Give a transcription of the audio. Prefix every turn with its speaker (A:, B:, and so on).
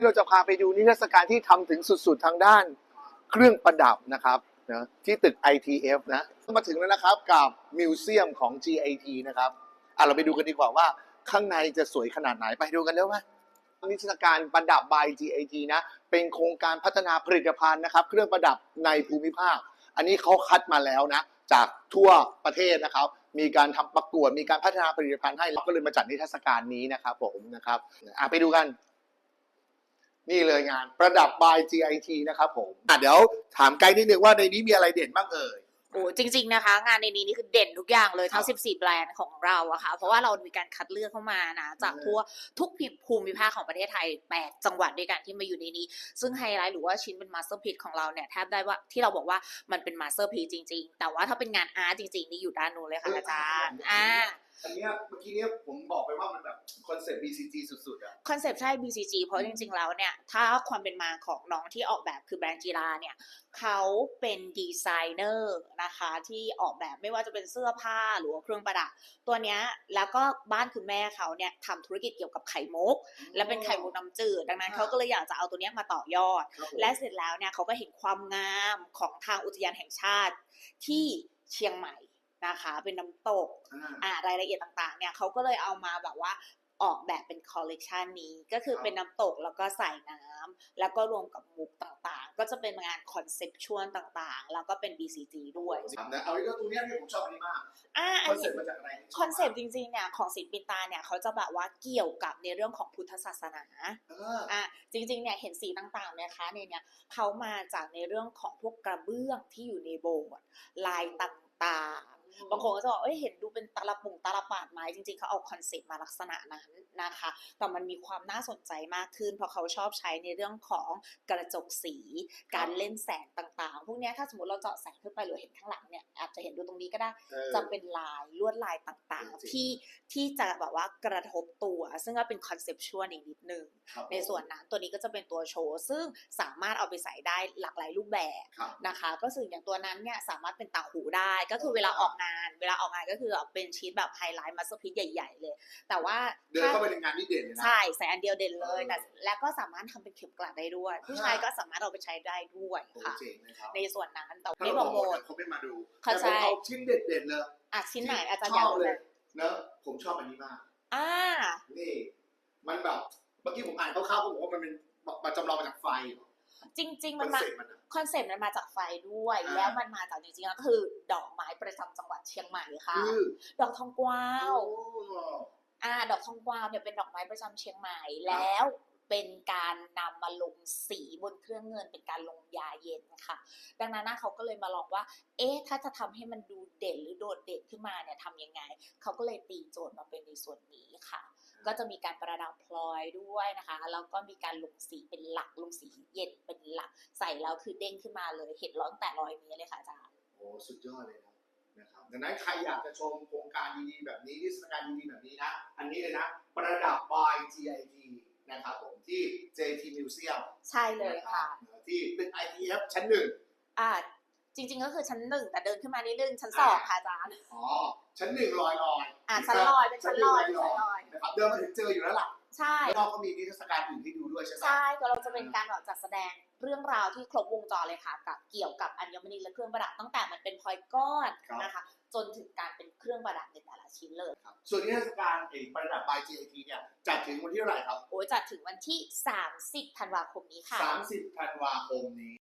A: เราจะพาไปดูนิทรรศการที่ทำถึงสุดๆทางด้านเครื่องประดับนะครับนะที่ตึก ITF นะมาถึงแล้วนะครับกับมิวเซียมของ GIT นะครับเราไปดูกันดีกว่าว่าข้างในจะสวยขนาดไหนไปดูกันเร็วไหมนิทรรศการประดับ by GIT นะเป็นโครงการพัฒนาผลิตภัณฑ์นะครับเครื่องประดับในภูมิภาคอันนี้เขาคัดมาแล้วนะจากทั่วประเทศนะครับมีการทำประกวดมีการพัฒนาผลิตภัณฑ์ให้เราก็เลยมาจัดนิทรรศการนี้นะครับผมนะครับไปดูกันนี่เลยงานประดับ by GIT นะครับผมเดี๋ยวถามไกด์นิดนึงว่าในนี้มีอะไรเด่นบ้างเอ่ย
B: โอ้จริงๆนะคะงานในนี้นี่คือเด่นทุกอย่างเลยทั้ง14แบรนด์ของเราอะค่ะเพราะว่าเรามีการคัดเลือกเข้ามานะจากทั่วทุกภูมิภาคของประเทศไทย8จังหวัดด้วยกันที่มาอยู่ในนี้ซึ่งไฮไลท์หรือว่าชิ้นเป็นมาสเตอร์พีซของเราเนี่ยแทบได้ว่าที่เราบอกว่ามันเป็นมาสเตอร์พีซจริงๆแต่ว่าถ้าเป็นงานอาร์ตจริงๆนี่อยู่ด้านนู้นเลยค่ะอาจารย์
A: อันนี้เมื่อกี้นี้ผมบอกไปว่ามันแบบคอนเซ็ปต์ BCG สุดๆอะ
B: คอนเซ็ปต์ใช่ BCG เพราะจริงๆแล้วเนี่ยถ้าความเป็นมาของน้องที่ออกแบบคือแบรนด์จีราเนี่ยเขาเป็นดีไซเนอร์นะคะที่ออกแบบไม่ว่าจะเป็นเสื้อผ้าหรือว่าเครื่องประดับตัวเนี้ยแล้วก็บ้านคุณแม่เขาเนี่ยทำธุรกิจเกี่ยวกับไข่มุกและเป็นไข่มุกน้ำจืดดังนั้นเขาก็เลยอยากจะเอาตัวเนี้ยมาต่อยอดและเสร็จแล้วเนี่ยเขาก็เห็นความงามของทางอุทยานแห่งชาติที่เชียงใหม่นะคะเป็นน้ำตกรายละเอียดต่างๆเนี่ยเขาก็เลยเอามาแบบว่าออกแบบเป็นคอลเลกชันนี้ก็คือเป็นน้ำตกแล้วก็ใส่น้ำแล้วก็รวมกับมุกต่างๆก็จะเป็นงานคอนเซ็ปชวลต่างๆแล้วก็เป็น BCG ด้วย
A: เอาอีกตรงนี้ที่ผมชอบอันนี้มากคอนเซ็ปต์มาจากอะไร
B: คอนเซ็ปต์จริงๆเนี่ยของศิลปินตาเนี่ยเขาจะแบบว่าเกี่ยวกับในเรื่องของพุทธศาสนาจริงๆเนี่ยเห็นสีต่างๆนะคะในเนี่ยเขามาจากในเรื่องของพวกกระเบื้องที่อยู่ในโบสถ์ลายต่างๆบางคนก็จะบอกเห็นดูเป็นตาลปาดไม้จริงๆเขาเอาคอนเซ็ปต์มาลักษณะนั้นนะคะแต่มันมีความน่าสนใจมากขึ้นเพราะเขาชอบใช้ในเรื่องของกระจกสีการเล่นแสงต่างๆพวกนี้ถ้าสมมติเราเจาะแสงขึ้นไปหรือเห็นข้างหลังเนี่ยอาจจะเห็นดูตรงนี้ก็ได้จะเป็นลายลวดลายต่างๆที่จะแบบว่ากระทบตัวซึ่งก็เป็นคอนเซปชวลอีกนิดนึงในส่วนนั้นตัวนี้ก็จะเป็นตัวโชว์ซึ่งสามารถเอาไปใส่ได้หลากหลายรูปแบบนะคะก็สื่ออย่างตัวนั้นเนี่ยสามารถเป็นต่างหูได้ก็คือเวลาออกงานก็คือเป็นชีทแบบไฮไลท์มาสเตอร์พีซใหญ่ๆเลยแต่ว่า
A: เดินเข้าไปในงานนี่เด่นเลยนะ
B: ใช่ใส่อันเดียวเด่นเลยแต่แล้วก็สามารถทำเป็นเข็มกลัดได้ด้วยผู้ชายก็สามารถเอาไปใช้ได้ด้วยค่ะในส่วนนั้นแต่ไม่โปรโมท
A: เขาไม่มาดู
B: แต่
A: ผมเอาชิ้นเด่นๆเลย
B: ชิ้นไหนอาจารย์อยากรู้เลย
A: เนอะผมชอบอันนี้มากนี่มันแบบเมื่อกี้ผมอ่านคร่าวๆผมบอกว่ามันเป็นมาจำลองมาจากไฟ
B: จริงๆมันมาคอนเซ็ปต์มันมาจากไฟด้วยแล้วมันมาจากจริงๆแล้วก็คือดอกไม้ประจำจังหวัดเชียงใหม่ค่ะดอกทองกวาวดอกทองกวาวเนี่ยเป็นดอกไม้ประจำเชียงใหม่แล้วเป็นการนำมาลงสีบนเครื่องเงินเป็นการลงยาเย็นค่ะดังนั้นเขาก็เลยมาลองว่าถ้าจะทำให้มันดูเด่นหรือโดดเด่นขึ้นมาเนี่ยทำยังไงเขาก็เลยตีโจทย์มาเป็นในส่วนนี้ค่ะก็จะมีการประดับพลอยด้วยนะคะแล้วก็มีการลงสีเป็นหลักลงสีเย็นเป็นหลักใส่แล้วคือเด้งขึ้นมาเลยเห็นร้อนแต่100 เมตรเลยค่ะอาจารย์
A: โอ้สุดยอดเลยนะครับดังนั้นใครอยากจะชมโครงการดีๆแบบนี้นิทรรศการดีๆแบบนี้นะอันนี้เลยนะประดับ by GIT นะครับผมที่ JT Museum
B: ใช่เลยค่ะ
A: ที่ตึก ITF ชั้น
B: 1จริงๆก็คือชั้น1แต่เดินขึ้นมานิดนึงชั้น2ค่ะอาจารย์
A: ชั้น1ลอย
B: ชั้นลอยเป็นชั้นลอย
A: นะครับเดินมาถึงเจออยู่แล้วล่ะ
B: ใช่
A: แล้วก็มีนิทรรศการอื่นที่ดูด้วยใช่ไหม
B: ใช่ก็เราจะเป็นการจัดแสดงเรื่องราวที่ครบวงจรเลยค่ะกับเกี่ยวกับอัญมณีและเครื่องประดับตั้งแต่มันเป็นพลอยก้อนนะคะจนถึงการเป็นเครื่องประดับในแต่ละชิ้นเลย
A: ครับส่วนนิทรรศการประดับ by GIT เนี่ยจัดถึงวันที่เท่าไหร่ครับ
B: จัดถึงวันที่30 ธันวาคมนี้ค่ะ
A: 30 ธันวาคมนี้